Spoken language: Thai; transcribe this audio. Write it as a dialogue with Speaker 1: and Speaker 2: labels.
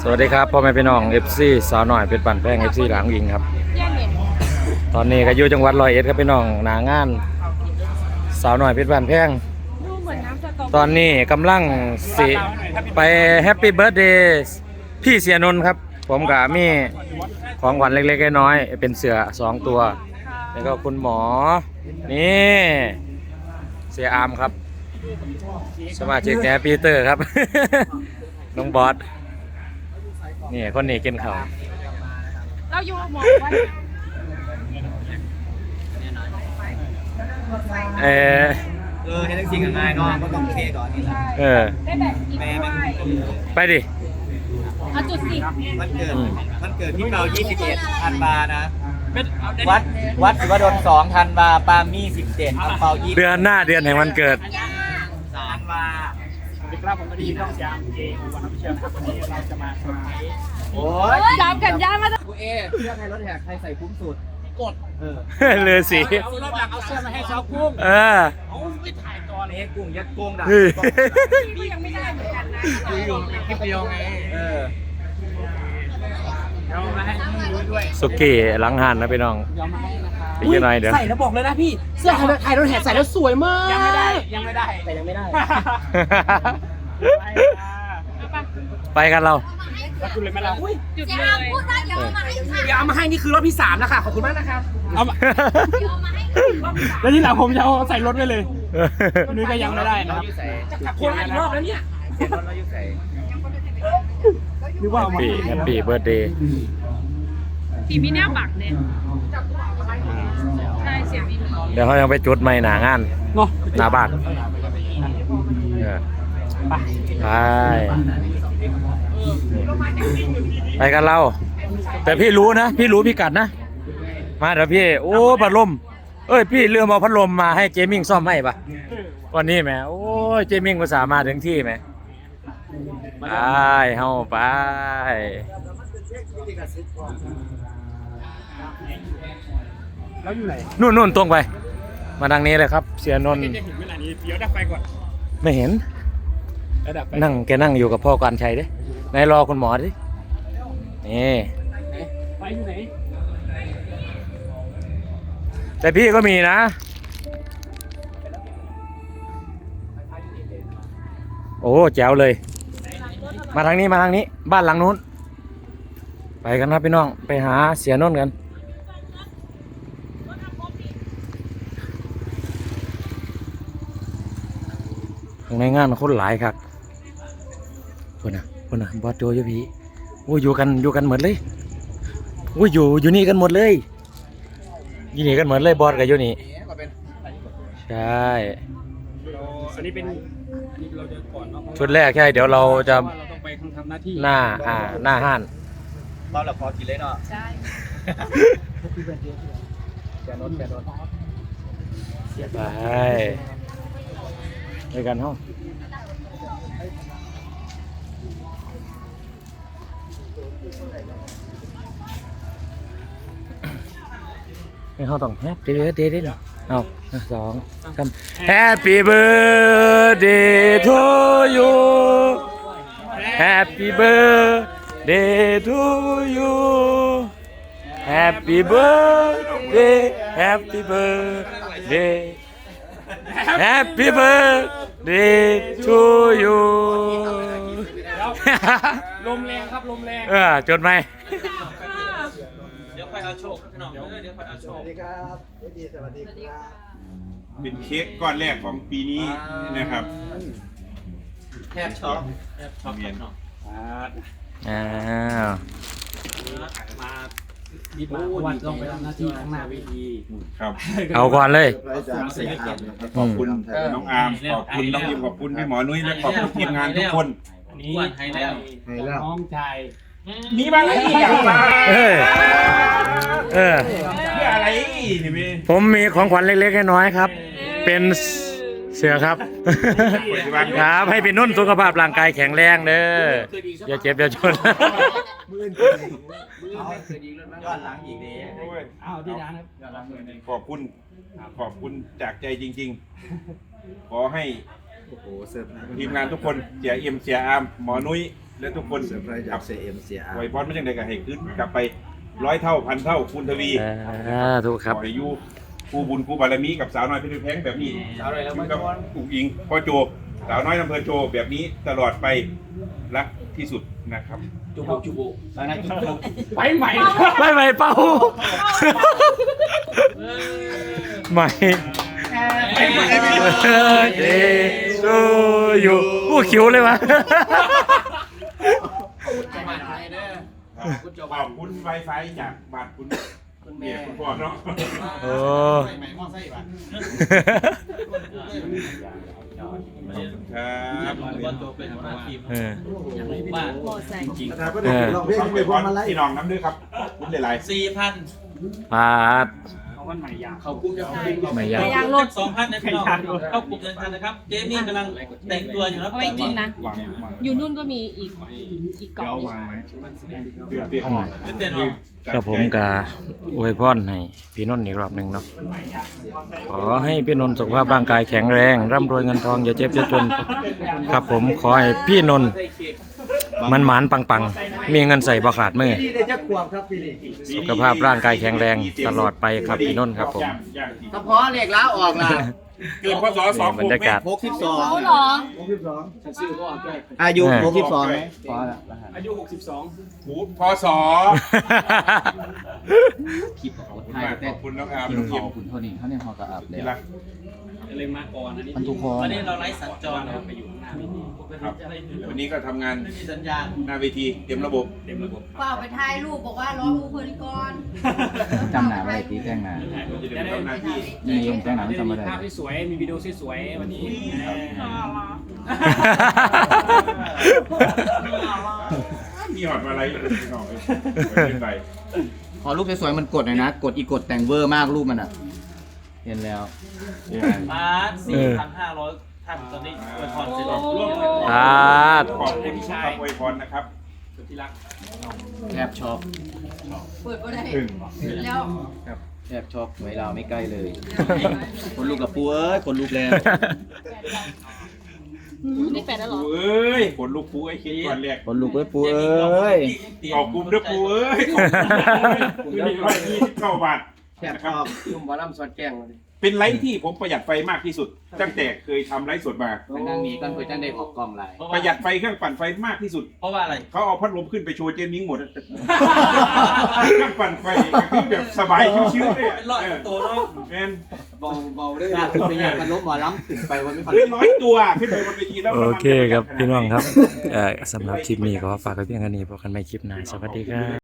Speaker 1: สวัสดีครับพ่อแม่พี่น้อง FC สาวหน่อยเป็นปั่นแป้ง FC หลังยิงครับตอนนี้ก็อยู่จังหวัดร้อยเอ็ดครับพี่น้องหนางานสาวหน่อยเป็นปั่นแป้งตอนนี้กำลังสิไปแฮปปี้เบิร์ดเดย์พี่เสียนนท์ครับผมกับมีของขวัญเล็กๆน้อยๆเป็นเสือ2ตัวแล้วก็คุณหมอนี่เสียอามครับสมาชิกแฮปปี้เตอร์ครับ น้องบอสนี่คนนี้กินข้าว
Speaker 2: เราอยู่หมอว่า
Speaker 3: ให้ทั้งสิ่งง่ายเนาะก็ต้องเคก่อนนี่แหละ
Speaker 2: ได้แบบกินด้วย
Speaker 1: ไปดิ
Speaker 2: เอาจุดสิ
Speaker 3: มันเกิดที่เรา21ธันวานะวัดศิวดล2ธันวาปามี่17อังเปา20
Speaker 1: เดือนหน้าเดือนแห่งวันเกิด
Speaker 3: ธันวา
Speaker 4: ครับผมก็ดีต้องยามเองวันน้ำเชื่อมครับวันนี้เราจะมาสมัย
Speaker 3: โอ้ย
Speaker 2: ยามกันยามมา
Speaker 3: กูเอเสื้อในรถแหกใครใส่คุ้มสุดกด
Speaker 1: เลือสี
Speaker 4: เอารอบหลังเอาเสื้อมาให้ชาวกุ้งเอาไปถ่ายก่อน
Speaker 3: เอ้กุ้งยัดกุ้งด่า
Speaker 2: พี่ยังไม่ได้เหมือนกันนะ
Speaker 4: อยู่คลิปประโยงไงเอามาให้ด้วย
Speaker 1: สุกี้หลังหันนะพี่น้องพี่ยังไงเดี๋ยว
Speaker 3: ใส่แล้วบอกเลยนะพี่เสื้อไทยรถแหกใส่แล้วสวยมาก
Speaker 4: ยังไม่ได้
Speaker 3: แต่ยังไม่ได้
Speaker 1: ไปกันเรา
Speaker 4: คุณเลยไหมล่ะ
Speaker 2: จุดเลยพูดว่าเดี๋ยวเอามาให้ค่ะ
Speaker 3: เดี๋ยวเอามาให้นี่คือรอบที่3แล้วค่ะขอบคุณมากนะคะ
Speaker 4: เอามาแล้วที่หลังผมจะเอาใส่รถไว้เลยนุ้ยก็ยังไม่ได้นะครับ
Speaker 3: จะกลับคนอีกรอบแล้วเนี่ย
Speaker 4: นึกว่า
Speaker 1: ปีแฮปปี้เบิร์ดเดย์
Speaker 2: ปีมีแนวบักเนี่ยใช่เสียงมี
Speaker 1: เดี๋ยวเขายังไปจุดใหม่หนางาน
Speaker 4: เนาะ
Speaker 1: หน้าบ้านไปกันเราแต่พี่รู้นะพี่รู้พี่กัดนะมาเดี๋ยวพี่โอ้พัดลมพี่เรือมาพัดลมมาให้เจมิ่งซ่อมให้ปะวันนี้แหมโอ้ยเจมิ่งภาษามาถึงที่ไหมไปเฮาไป
Speaker 4: แล้วอยู่ไหน
Speaker 1: นู่นตรงไปมาทางนี้เลยครับเสียนนท์
Speaker 4: จะเห็นเวลานี้เดี๋ยวดับไฟก่อน
Speaker 1: ไม่เห็นนั่งแกนั่งอยู่กับพ่อการชัยดินายรอคุณหมอดินี่
Speaker 4: ไฟอยู่ไหน
Speaker 1: แต่พี่ก็มีนะโอ้แจ๋วเลยมาทางนี้บ้านหลังนู้นไปกันนะพี่น้องไปหาเสียนนท์กันข้างในงานคนหลายครับคนน่ะบอสโจยพี่โอ้อยู่กันหมดเลยโอ้อยู่นี่กันหมดเลยอยู่นี่กันหมดเลยบอสกับอยู่นี่ใช่
Speaker 4: อันนี้เป็นเราจะก่อนเนาะ
Speaker 1: ชุดแรกใช่เดี๋ยวเราจะ
Speaker 4: เราต้องไปทำหน้าที่
Speaker 1: หน้าห้าน
Speaker 3: เราหลับพอกินเลยเนาะ
Speaker 2: ใช่
Speaker 3: แกนน
Speaker 1: ไปกันห้องให้เขาต้องแฮปปี้เบิร์ดเดย์ได้หรอเอา2 3 Happy birthday to you Happy birthday to you Happy birthday Happy birthday Happy birthday to you
Speaker 4: ลมแรงครับลมแรง
Speaker 1: จดไหม
Speaker 3: เดี๋ยวค่อยเอาโชคพี่น้องเดี๋ยวค่อยเอาโชคสวัสดีครับสวัสดีครับ
Speaker 5: เป็นเค้กก้อนแรกของปีนี้นะครับ
Speaker 3: แทบช็อก
Speaker 5: เมียน
Speaker 4: มาดีมากวันต้องไปทำหน้าที่ข้างหน้าเวที
Speaker 5: ครับ
Speaker 1: เอาก่อนเลย
Speaker 5: ขอบคุณน้องอาร์มขอบคุณน้องยิมขอบคุณพี่หมอนุ้ยและขอบคุณทีมงานทุกคน
Speaker 4: นี่ให้แล้วน้องชายมีมาอะไรอีกมา
Speaker 5: เพื่ออะไรนี่พี่
Speaker 1: ผมมีของขวัญเล็กๆน้อยๆครับเป็นเสือครับครับให้พี่นุ่นสุขภาพร่างกายแข็งแรงเด้ออย่าเจ็บอย่าชน
Speaker 3: ย้อนหลังอีกดี
Speaker 4: เอาที่ร้าน
Speaker 5: ครับขอบคุณจากใจจริงๆขอให้ทีมงานทุกคนเสียเอ็มเสียอาร์มหมอนุ้ยและทุกคน
Speaker 6: เซอร์ไพรส์จาก CMCR
Speaker 5: ไวพรไม่ยังไงก็ให้ขึ้นกลับไป100 เท่าพันเท่าคูณทวี
Speaker 1: ถูกครับ
Speaker 5: ขอให้อยู่คู่บุญคู่บารมีกับสาวน้อยเพชรแพงแบบนี้อยู่กับอุ๋งอิงพ่อโจสาวน้อยอำเภอโจแบบนี้ตลอดไปรักที่สุดนะครับ
Speaker 4: ไปใหม่
Speaker 1: ไม่เป้าไม่ เดโซอยู่ผู้คิวเลยวะ
Speaker 5: ขอบคุณไวไฟจากบ้านคุณเมียคุณพ่อเนาะ
Speaker 1: โอ้
Speaker 5: ครับ
Speaker 1: เออ
Speaker 6: ประธานก็ได้ลองเพลง
Speaker 5: ต้อง
Speaker 6: ไป
Speaker 5: ไป
Speaker 6: พ
Speaker 5: พ
Speaker 6: ร้อ
Speaker 5: ร
Speaker 6: มมาไล่
Speaker 5: พี่น้องน้ำด้วยครับคุณหลายๆ
Speaker 1: ปาด
Speaker 4: เอาวันใหม่ยาง
Speaker 1: ไม่ยาก
Speaker 2: ยางรถ
Speaker 7: 2,000นะพี่น้องเข้ากลุ่มเดินทางนะครับ เจมี่กำลังแต่งตัวอยู่ครับ
Speaker 2: เอาไว้กินนะ อยู่นู่นก็มีอีกกล่อง
Speaker 5: เปลี่ยน
Speaker 7: เต้นออก
Speaker 1: ครับผมกาอวยพรให้พี่นนท์อีกรอบหนึ่งเนาะขอให้พี่นนท์สุขภาพร่างกายแข็งแรงร่ำรวยเงินทองอย่าเจ็บอย่าจนครับผมขอให้พี่นนท์มันหมานปังๆมีเงินใส่บ่ขาดมือ
Speaker 6: พี่ได้จักขวบครับพี่นี่
Speaker 1: สุขภาพร่างกายแข็งแรงตลอดไปครับพี่นนท์ครับผม
Speaker 3: เฉพาะเลขแล้วออกล่ะ
Speaker 5: เกิดพศ2
Speaker 1: บรรยากาศ
Speaker 2: เขาเหรอ
Speaker 3: อายุ
Speaker 5: 62
Speaker 3: ไหม
Speaker 4: อายุ
Speaker 5: พศขอบคุณน้องอาร์มน้องยิม
Speaker 3: คุณเท่านี้เขาเนี่ยพอกระอับเลย
Speaker 5: ที่รัก
Speaker 4: 62เลยมาก่อนอันนี้
Speaker 3: มันทุกคน
Speaker 7: วันนี้เราไลฟ์สัญจรนะครับ
Speaker 4: ไปอยู่ข้างหน้า
Speaker 5: ครับวันนี้ก็ทำงาน
Speaker 7: ไม่มีสัญญาณ
Speaker 5: หน้าเวทีเต็มระบบ
Speaker 4: เต็มระบบ
Speaker 2: เปล่าไปถ่ายรูปบอกว่าร้องมูเพลินก่อน
Speaker 3: จำหนาไว้ตีแจ้งหนา
Speaker 5: จะได้ทำหน้าที่
Speaker 3: นี่ยังแจ้งหนาไม่จำไม่ได้
Speaker 4: ภาพที่สวยมีวิดีโอที่สวยวันนี้
Speaker 5: มีหอดมาอะไรพี่น้องเป็นไร
Speaker 3: พอรูปสวยๆมันกดหน่อยนะ กดอีกดแต่งเวอร์มากรูปมันอ่ะ เห็นแล้ว
Speaker 7: บาส4,500ท่านตอนนี้อวยพรเสร็จแล้ว
Speaker 1: ปาด
Speaker 5: ขอบคุณครับอวยพรนะครับ
Speaker 4: ที่รัก
Speaker 3: แทบช็อป
Speaker 2: เปิดก็ได้
Speaker 5: ถึง
Speaker 2: แล้ว
Speaker 3: แทบช็อปหวยเราไม่ใกล้เลย คนลูกกับปูเอ้ย คนลูกแล้ว
Speaker 2: ได้แปดแล้วเหรอ
Speaker 5: ปูเอ้ยขนลูกปูไอ้คิดก่อนแรก
Speaker 3: คนลูกเอ้ยปูเอ้ย
Speaker 5: ขอบคุณด้วยปูเอ้ยขอบคุณ129 บาท
Speaker 3: แทบช็อปยุ่มบอลลัมซอดแกงเลย
Speaker 5: เป็นไลฟ์ที่ผมประหยัดไฟมากที่สุด ตั้งแต่เคยทำไลฟ์สดมา
Speaker 3: ไปนั่งนี้กันเพื่อจะได้ออกกล้องไลน์
Speaker 5: ประหยัดไฟเครื่องปั่นไฟมากที่สุด
Speaker 7: เพราะว่าอะไร
Speaker 5: เขาเอาพัดลมขึ้นไปโชว์เจมิ้งหมด เครื่องปั่นไฟคือแบบสบายชิวๆเลย
Speaker 7: เป็นร้อยตัวเนาะ
Speaker 5: แมน
Speaker 3: เบาด้วยเป็นอย่างกันลบหมอล้ำถึงไปวันไม่พัน
Speaker 5: 100 ตัวขึ้นไปบนเวทีแล้ว
Speaker 1: โอเคครับพี่น้องครับสำหรับคลิปนี้ก็ฝากไว้เพียงแค่นี้พบกันใหม่คลิปหน้าสวัสดีครับ